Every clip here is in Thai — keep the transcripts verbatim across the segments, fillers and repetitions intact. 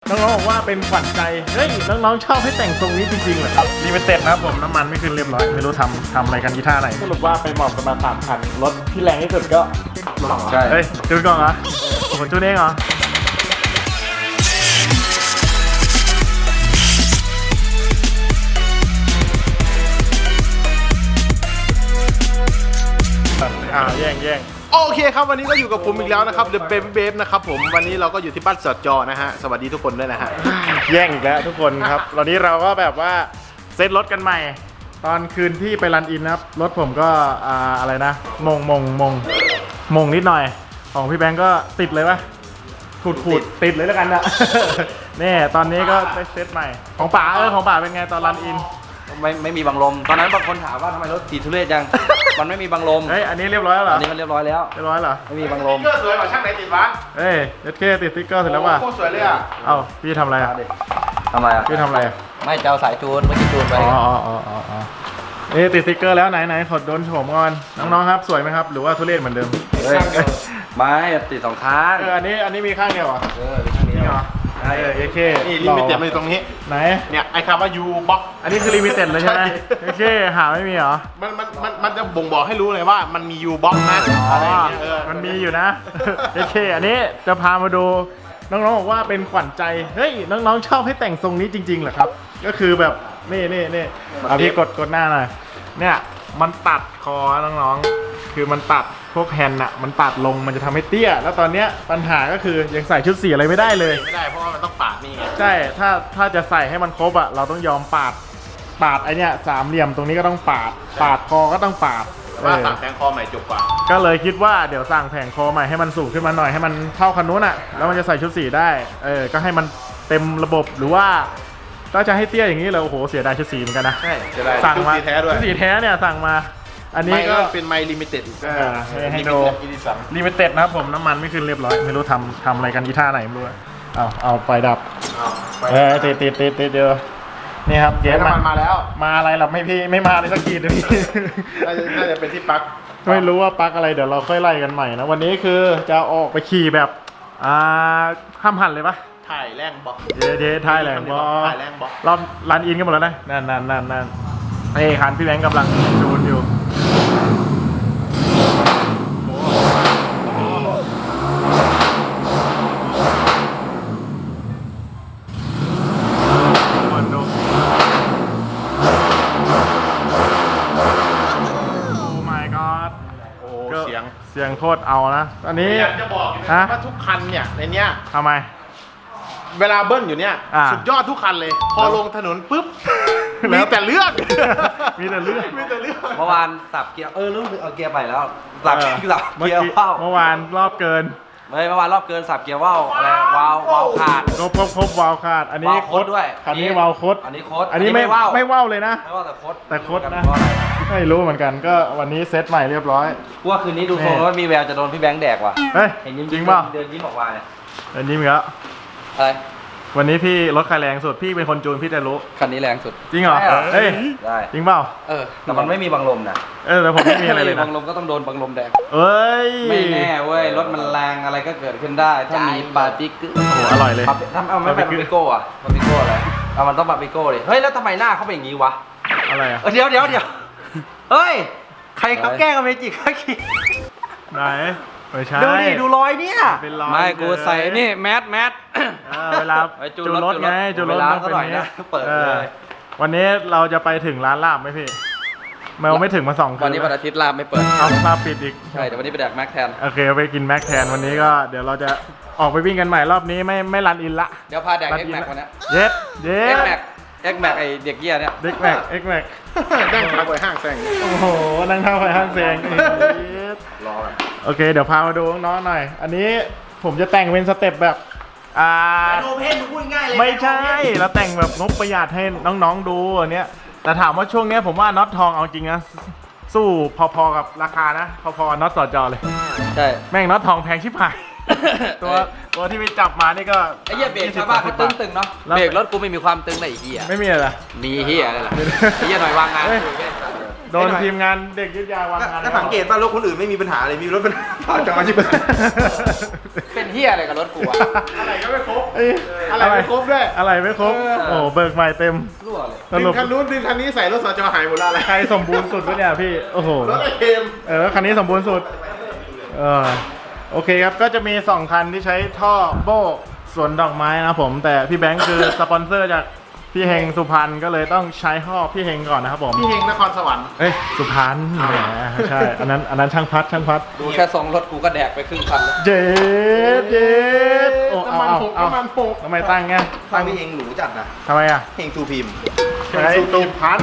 น้องๆบอกว่าเป็นขวัญใจเฮ้ยน้องๆชอบให้แต่งทรงนี้จริงๆเหรอครับนี่เป็นเต็ดนะครับผมน้ำมันไม่ขึ้นเรียบร้อยไม่รู้ทำทำอะไรกันที่ท่าไหนสรุปว่าไปหมอบกันมาสามคันรถที่แรงที่สุดก็ใช่เฮ้ยจูนก่อนเหรอผมจูนเองเหรออ่าแย่งแย่งโอเคครับวันนี้ก็อยู่กับผมอีกแล้วนะครับ The Baby Babe นะครับผมวันนี้เราก็อยู่ที่บ้านสอดจอนะฮะสวัสดีทุกคนด้วยนะฮะแย่งอีกแล้วทุกคนครับตอนนี้เราก็แบบว่าเซ็ตรถกันใหม่ตอนคืนที่ไปรันอินนะครับรถผมก็อ่าอะไรนะมงมงมงมงนิดหน่อยของพี่แบงก์ก็ติดเลยปะขูดขูดติดเลยแล้วกันนะนี่ตอนนี้ก็ได้เซ็ตใหม่ของป๋าเออของป๋าเป็นไงตอนรันอินไม่ไม่มีบังลมตอนนั้นบางคนถามว่าทำไมรถสีทุเรศจัง มันไม่มีบังลมเฮ้ยอันนี้เรียบร้อยแล้วเหรออันนี้มันเรียบร้อยแล้วเรียบร้อยเหรอไม่มีบังลมสติ๊กเกอร์สวยกว่าช่างไหนติดวะเฮ้ยเอสเคติดสติ๊กเกอร์เสร็จแล้วว่ะโคตรสวยเลยอ่ะเอ้าพี่ทำอะไรอ่ะทำอะไรอ่ะพี่ทำอะไรไม่เจ้าสายจูนเมื่อกี้จูนไปอ๋ออ๋ออ๋ออ๋อเอ๊ะติดสติ๊กเกอร์แล้วไหนไหนขอโดนโฉมก่อนน้องๆครับสวยไหมครับหรือว่าทุเรศเหมือนเดิมเฮ้ยไม่ติดสองข้างเอออันนี้อันนี้มีข้างเดียวอ่ะเออข้างเดียวเออเอเคนี่ลิมิเต็ดมาอยู่ตรงนี้ไหนเนี่ยไอ้คำว่า U box อันนี้คือลิมิเต็ดเลยใช่ไหมเอเคหาไม่มีเหรอมันมันมันมันจะบ่งบอกให้รู้เลยว่ามันมี U box นะอะไรอย่างเงี้ยเออมันมีอยู่นะเอเคอันนี้จะพามาดูน้องๆบอกว่าเป็นขวัญใจเฮ้ยน้องๆชอบให้แต่งทรงนี้จริงๆเหรอครับก็คือแบบนี่นี่นี่เอาพี่กดกดหน้าหน่อยเนี่ยมันตัดคอน้องๆคือมันตัดพวกแฮนด์อะมันตัดลงมันจะทำให้เตี้ยแล้วตอนเนี้ยปัญหาก็คือยังใส่ชุดสีอะไรไม่ได้เลยไม่ได้เพราะว่ามันต้องปาดนี่ไงใช่ถ้าถ้าจะใส่ให้มันครบอะเราต้องยอมปาดปาดไอเนี้ยสามเหลี่ยมตรงนี้ก็ต้องปาดปาดคอก็ต้องปาดว่าสั่งแทงคอใหม่จบกว่าก็เลยคิดว่าเดี๋ยวสั่งแผงคอใหม่ให้มันสูงขึ้นมาหน่อยให้มันเท่าคันนู้นอะแล้วมันจะใส่ชุดสีได้เออก็ให้มันเต็มระบบหรือว่าถ้าจะให้เตี้ยอย่างนี้เลยโอ้โหเสียดายชุดสีเหมือนกันนะใช่เสียดายสั่งมาชุดสีแท้ด้วยชุดสีแท้เนี่ยสั่งมาอันนี้ก็เป็นไมล์ลิมิเต็ดให้ดูลิมิเต็ดนะครับผมน้ำมันไม่ขึ้นเรียบร้อยไม่รู้ทำทำอะไรกันที่ท่าไหนไม่รู้เอาเอาไฟดับเออติดติดติดติดเดียวนี่ครับเกสมันมาแล้วมาอะไรหรอไม่พี่ไม่มาเลยสักทีเดียวพี่น่าจะเป็นที่ปลั๊กไม่รู้ว่าปลั๊กอะไรเดี๋ยวเราค่อยไล่กันใหม่นะวันนี้คือจะออกไปขี่แบบอ่าห้ามหันเลยปะถ่ายแรงบอกเดี๋ยวเดี๋ยวถ่ายแรงบอถ่ายแรงบอกรอบรันอินกันหมดแล้วนะนั่นนั่นนั่นนั่นไอ้คันพี่แบงค์กำลังจูนอยู่เสียงเสียงโคตรเอานะอันนี้อยากจะบอกนะว่าทุกคันเนี่ยในเนี้ยทำไมเวลาเบิ้ลอยู่เนี่ยสุดยอดทุกคันเลยพอลงถนนปุ๊บมีแต่เลือดมีแต่เลือดมีแต่เลือดเมื่อวานสับเกียร์เออรู้สึกเอาเกียร์ไปแล้วสับสับเกียร์ว่าวเมื่อวานรอบเกินไม่เมื่อวานรอบเกินสับเกียร์ว่าวอะไรวาววาวขาดครบครบครบวาวขาดอันนี้โคตรด้วยคันนี้วาวโคตรอันนี้โคตรอันนี้ไม่ไม่ว่าวเลยนะไม่ว่าวแต่โคตรแต่โคตรนะไม่รู้เหมือนกันก็วันนี้เซตใหม่เรียบร้อยว่าคืนนี้ดูทรงว่ามีแววจะโดนพี่แบงค์แดกว่ะเฮ้ยจริงเปล่าเดินยิ้มออกมาเนี่ยเดินยิ้มอีกแล้วอะไรวันนี้พี่รถใครแรงสุดพี่เป็นคนจูนพี่จะรู้คันนี้แรงสุดจริงเหรอเฮ้ยได้จริงเปล่าเออแต่มันไม่มีบังลมนะเออแต่ผมไม่มีอะไรเลยนะบังลมก็ต้องโดนบังลมแดกเอ้ยไม่แน่เว้ยรถมันแรงอะไรก็เกิดขึ้นได้ถ้ามีปาติกโอ้โหอร่อยเลยถ้าเอาไม่เป็นปาปิโก้อะปาปิโก้อะไรเอามันต้องปาปิโก้ดิเฮ้ยแล้วทำไมหน้าเขาเป็นอย่างนี้วะอะไรอ่ะเดี๋ยวเดี๋ยวเดี๋ยวเฮ้ยใครเขาแกล้งกับเมจิเขาขี้ไหนไม่ใช่ดูดิดูรอยเนี่ยไม่กูใส่นี่แมสแมสเวลาจูรถไงจูรถต้องเป็นนี้เปิดเลยวันนี้เราจะไปถึงร้านลาบไหมพี่แมวไม่ถึงมาสองคืนวันนี้วันอาทิตย์ลาบไม่เปิดเอาลาบปิดอีกใช่เดี๋ยววันนี้ไปแดกแม็กแทนโอเคไปกินแม็กแทนวันนี้ก็เดี๋ยวเราจะออกไปวิ่งกันใหม่รอบนี้ไม่ไม่รันอินละเดี๋ยวพาแดกเอ็กแม็กวันนี้เย็ดเย็ดเอ็กแม็กเอ็กแม็กไอเด็กเหี้ยเนี่ยเอ็กแม็กเอ็กแม็กนั่งทางไปห้างแซงโอ้โหนั่งทางไปห้างแซงรอโอเคเดี๋ยวพามาดูน้องหน่อยอันนี้ผมจะแต่งเป็นสเต็ปแบบอ่าโนเพนพูดง่ายเลยไม่ใช่แล้วแต่งแบบงบประหยัดให้น้องๆดูอันเนี้ยแต่ถามว่าช่วงนี้ผมว่าน็อตทองเอาจริงนะสู้พอๆกับราคานะพอๆน็อตสอจอเลยใช่แม่งน็อตทองแพงชิบหายตัวตัวที่ไปจับมานี่ก็ไอ้เหี้ยเบรกชาวบ้านเขาตึงๆเนาะเบรกรถกูไม่มีความตึงเลยไอ้เหี้ยไม่มีอะไรมีเหี้ยอะไรล่ะไอ้เหี้ยหน่อยวางงานโดนทีมงานเด็กยึดยาวางงานถ้าสังเกตป่ะรถคนอื่นไม่มีปัญหาเลยมีรถเป็นขาจอชิบเป็นเฮียอะไรกับรถกูอะอะไรก็ไม่ครบเอ้ยอะไรไม่ครบด้วยอะไรไม่ครบเออโอ้เบิกใหม่เต็มรั่วเลยสดึรุงปคันนู้นดึงคันนี้ใส่รถสจหายหมดแล้วอะไรใครสมบูรณ์สุดวะเนี่ยพี่โอ้โหรถไอเทมเออคันนี้สมบูรณ์สุดเออโอเคครับก็จะมีสองคันที่ใช้ท่อโบ้สวนดอกไม้นะผมแต่พี่แบงค์คือสปอนเซอร์จากพี่เฮงสุพรรณก็เลยต้องใช้ท่อพี่เฮงก่อนนะครับผมพี่เฮงนครสวรรค์เอ้ยสุพรรณแหมใช่อันนั้นอันนั้นช่างพัดช่างพัดดูแค่ทรงรถกูก็แดกไปครึ่งคันแล้วเจ็ดเจ็ดโอ้เอาน้ำมันเอาหกเอาน้ำมันหกทำไมตั้งไงทางพี่เองหรูจัดนะทำไมอ่ะเฮงทูพิมพ์เฮงสุพรรณ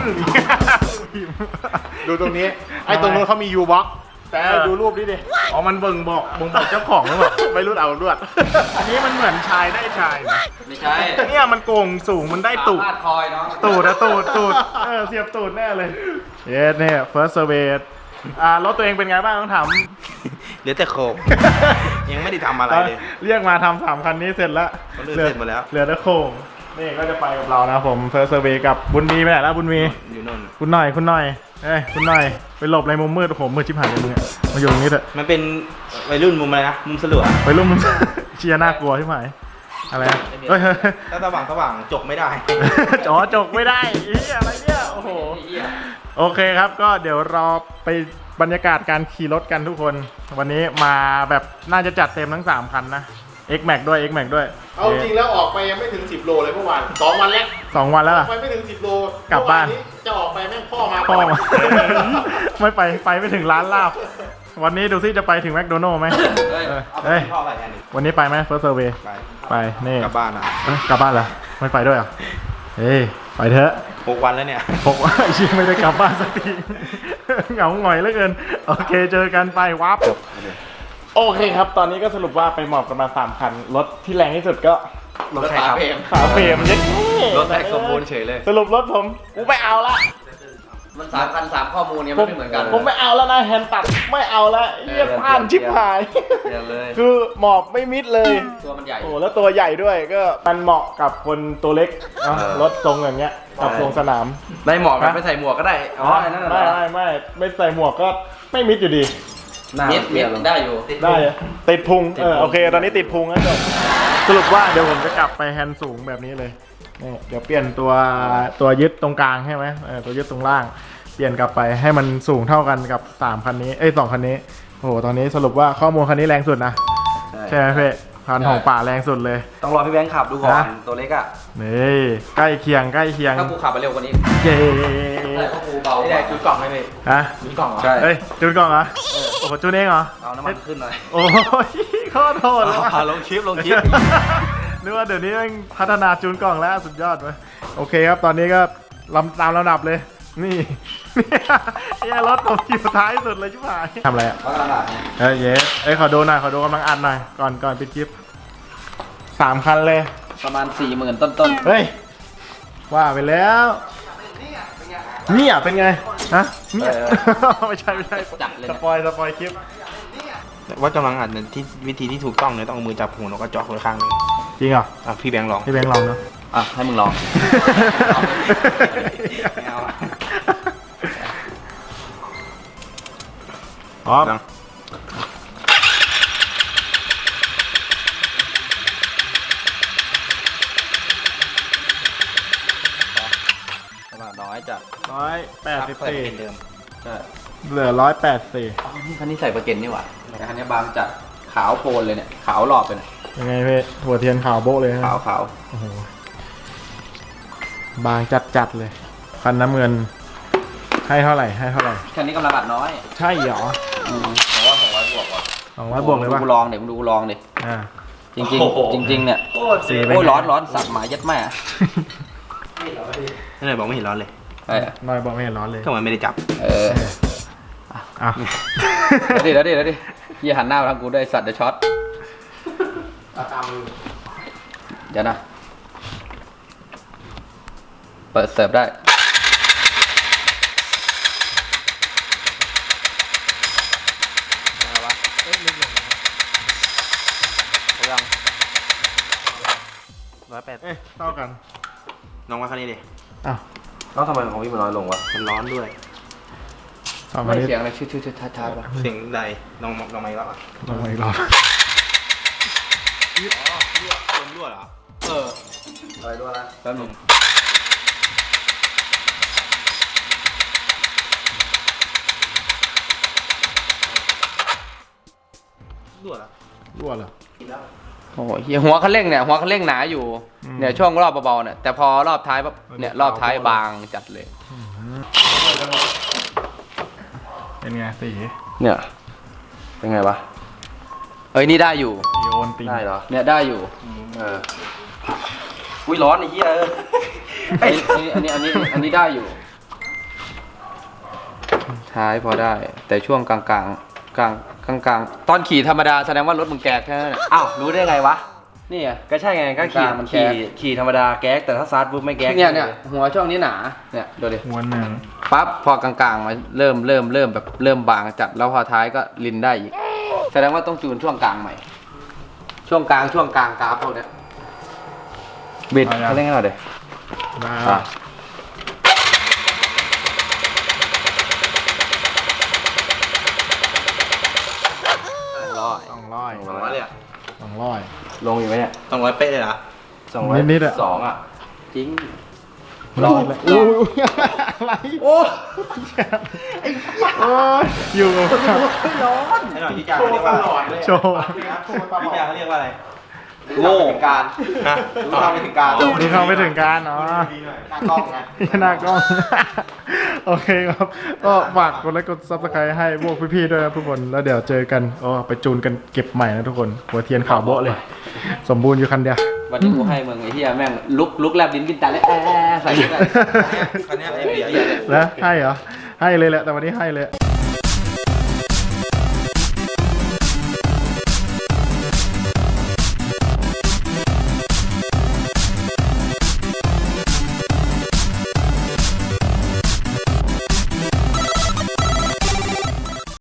ดูตรงนี้ ไอ้ตรงนู้นเขามียูบ็อกแต่ดูรูปนี้ดิอ๋อมันเบิ่งบอกบ่งบอกเจ้าของหรือเปล่าไม่รู้เอาลวดอันนี้มันเหมือนชายได้ชายนะไม่ใช่เนี่ยมันโกงสูงมันได้ตูดสามารถคอยเนาะตูดอะตูดตูดเออเสียบตูดแน่เลยเยสเนี่ย first survey อ่ารถตัวเองเป็นไงบ้างต้องถามเหลือแต่โครง ยังไม่ได้ทำอะไรเลยเรียกมาทำสามคันนี้เสร็จแล้วคนอื่นเสร็จหมดแล้วเหลือแต่โครงนี่ก็จะไปกับเรานะผม first survey กับบุญมีไปไหนแล้วบุญมีอยู่นู่นคุณหน่อยคุณหน่อยเอ้ยคุณหน่อยไปหลบในมุมมืดโอ้โหมืดชิบหายเลยมึงอะมาอยู่ตรงนี้เถอะมันเป็นวัยรุ่นมุมอะไรนะ มุมสลัวไปรุ่มมึง เชียร์น่ากลัวชิบหายอะไรอะเฮ้ยถ้าสว่างสว่างจกไม่ได้อ๋อจกไม่ได้อีอะไรเนี่ยโอ้โหโอเคครับก็เดี๋ยวเราไปบรรยากาศการขี่รถกันทุกคน วันนี้มาแบบน่าจะจัดเต็มทั้งสามคันนะ X Max ด้วย X Max ด้วยเอาจริงแล้วออกไปยังไม่ถึงสิบโลเลยเมื่อวานสองวันแล้วสองวันแล้วออล่ะกไปไม่ถึงสิบโลกลับบ้านเมื่อวจะออกไปแม่งพ่อมาพ่อก่นมา ไม่ไปไปไม่ถึงร้านลาบ วันนี้ดูซิจะไปถึงแมคโดนัลล์ไหมเฮ้ยเออเอาไปเฮ้ยที่พ่ออะไรกันดิวันนี้ไปไหม First Survey ไปไปนี่กลับบ้านอ่ะเอ้ยกลับบ้านเหรอไม่ไปด้วยเหรอเฮ้ยไปเถอะหกวันแล้วเนี่ยบอกว่าไอ้ชิงไม่ได้กลับบ้านสักที เหงาหงอยเหลือเกิน โอเคเจอกันไปวับโอเคครับ ตอนนี้ก็สรุปว่าไปหมอบกันมาสามคัน รถที่แรงที่สุดก็รถใครครับฝาเฟรมเย็ดรถแท็กสมบูรณ์เฉยเลยสรุปรถผมกูไม่เอาละมันสามพันสามข้อมูลเนี่ยผมันมไม่เหมือนกันผมไม่เอาแล้วนะแฮนด์ตัดไม่เอาละเยี่ยผ่านชิบหายเดี๋ยวเลยคือหมอบไม่มิดเลยตัวมันใหญ่โอ้แล้วตัวใหญ่ด้วยก็มันเหมาะกับคนตัวเล็กเนอะเออรถทรงอย่างเงี้ยกับทรงสนามได้หมอกแบบไม่ใส่หมวกก็ได้ อ๋อไอ้นั่นน่ะเหรไม่อไม่ไม่ไม่ใส่หมวกก็ไม่มิดอยู่ดีเม็ดเม็ดได้อยู่ได้อะติดพุงเออโอเคตอนนี้ติดพุงแล้วจบสรุปว่าเดี๋ยวผมจะกลับไปแฮนด์สูงแบบนี้เลยนี่เดี๋ยวเปลี่ยนตัวตัวยึดตรงกลางใช่ไหมเออตัวยึดตรงล่าง เปลี่ยนกลับไปให้มันสูงเท่ากันกับสามคันนี้เอ้ยสองคันนี้โอ้โหตอนนี้สรุปว่าข้อมูลคันนี้แรงสุดนะใช่ไหมเพ่พันของป่าแรงสุดเลยต้องรอพี่แบงค์ขับดูก่อนฮะตัวเล็กอ่ะนี่ใกล้เคียงใกล้เคียงถ้ากูขับไปเร็วกว่านี้เย้แต่ก็กูเบาได้จุดกล่องให้พี่ฮะจุดกล่องใช่เฮ้ยจูนกล่องเหรอโอ้โหจูนเองเหรอเอาน้ำมันขึ้นหน่อยโอ้ยขอโทษเลยเอาลงคลิปลงคลิปนึกว่าเดี๋ยวนี้แม่งพัฒนาจูนกล่องแล้วสุดยอดเลยโอเคครับตอนนี้ก็ลำตามลำดับเลย นี่ เนี่ยรถผมอยู่ท้ายสุดเลยชิบหายทำอะไรอ่ะเพราะกระดาษเนี่ยเอ้ยเย้เอ้ยขอดูหน่อยขอดูกำลังอัดหน่อยก่อนก่อนปิดคลิปสามคันเลยประมาณสี่หมื่นต้นเฮ้ยว่าไปแล้วเนี่ยเป็นไงฮะเนี่ยไม่ใช่ไม่ใช่จัดเลยสนะปอยสปอยคลิปว่ากำลังอัดเนี่ยที่วิธีที่ถูกต้องเนี่ยต้องเอามือจับหูแล้วก็จ่อไว้ข้างหนึงจริงเหรออ่ะพี่แบงค์ลองพี่แบงค์ลองเนาะอ่ะให้มึงลองไม่เอาอะพร้อมลองกระดาษน้อยจัดร้อยแปดสิบเปิดสี่เป็นเดิมใช่เหลือร้อยแปดสี่อ๋อนี่คันนี้ใส่ประเก็นนี่หว่าแต่คันนี้บางจัดขาวโพลนเลยเนี่ยขาวหลอบไปเลยยังไงพี่หัวเทียนขาวโบ๊ะเลยนะขาวขาวโอ้โหบางจัดจัดๆเลยคันน้ำเงินให้เท่าไหร่ให้เท่าไหร่คันนี้กำลังอัดน้อยใช่เหรอแต่ว่าสองร้อยบวกว่ะสองร้อยบวกเลยป่ะดูลองเดี๋ยวมึงดูลองดิอ่าจริงจริงจริงจริงๆเนี่ยสี่โอ้ยร้อนร้อนสัตว์หมายัดแม่นี่เลยบอกไม่เห็นร้อนเลยเออน้อยบอกไม่เห็นร้อนเลยก็มันไม่ได้จับเอออ่ะเดี๋ยวดิเดี๋ยวดิเดี๋ยวดิยี่หันหน้ามาทางกูด้วยสัตว์เดี๋ยวช็อตเดี๋ยวนะ เปิดเสิร์ฟได้ยังร้อยแปดเอ๊ะเท่ากันน้องว่าคันนี้ดิอ้าวแล้วทำไมของพี่มันน้อยลงวะมันร้อนด้วยสองอัไม่นนี้เสียงอะไรชืดชืดชืดช้าช้าป่ะเสียงใดลองลองมาอีกรอบอ่ะลองมาอีกรอบลมรั่วเหรอเอออะไรด้วยนะแป๊บนึงรั่วเหรอรั่วเหรอโอ้โหเหี้ยหัวคันเร่งเนี่ยหัวคันเร่งหนาอยู่อืมเนี่ยช่วงรอบเบาๆเนี่ยแต่พอรอบท้ายปั๊บเนี่ยรอบท้ายบางจัดเลยเป็นไงสีเนี่ยเป็นไงวะเอ้ยนี่ได้อยู่โยนติงได้เหรอเนี่ยได้อยู่เอออุ้ยร้อนไอ้เหี้ยเออไอ้อันนี้อันนี้อันนี้อันนี้ได้อยู่ ท้ายพอได้ แต่ช่วงกลางกลางกลางกลางกลางๆตอนขี่ธรรมดาแสดงว่ารถมึงแก๊กแค่นั้นน่ะอ้าวรู้ได้ไงวะนี่ไงก็ใช่ไงก็ขี่กลางมันแก๊ขี่กขี่ธรรมดาแก๊กแต่ถ้าซาร์ทปุ๊บไม่แก๊กเนี่ยเนี่ยหัวช่วงนี้หนาเนี่ยดูดิหัวหนึ่งปั๊บพอกลางๆมาเริ่มเริ่มเริ่มแบบเริ่มบางจัดแล้วพอท้ายก็ลินได้อีกแสดงว่าต้องจูนช่วงกลางใหม่ ช่วงกลางช่วงกลางกราฟพวกเนี้ยบิดเขาเล่นให้เราเดี๋ยวมาอ่ะ ร้อยสองร้อยสองร้อยเลยอ่ะสองร้อยลงอยู่ไหมเนี่ยสองร้อยเป๊ะเลยเหรอสองร้อยนิดๆอะสองอ่ะจริงร้อยเลยโอ้ยอะไรโอ้โอ้ยอยู่กับไอ้หน่อยพี่จ่าเขาเรียกว่าอะไรโชว์พี่จ่าเขาเรียกว่าอะไรโง่การฮะรู้เท่าไม่ถึงการนี่เข้าไม่ถึงการเนาะหน้ากล้องไงหน้ากล้อง โอเคครับ ก็ฝากกดไลค์กดซับสไครต์ให้พวกพี่ๆด้วยนะทุกคน แล้วเดี๋ยวเจอกันอ๋อไปจูนกันเก็บใหม่นะทุกคน หัวเทียนขาวโบ๊ะเลย สมบูรณ์อยู่คันเดียววันนี้กูให้มึงไอ้เหี้ยแม่งลุกลุกแลบลิ้นกินตาเลยแอะใส่ไปคันเนี้ยไอ้เบียร์แล้วให้เหรอ ให้เลยแหละ แต่วันนี้ให้เลย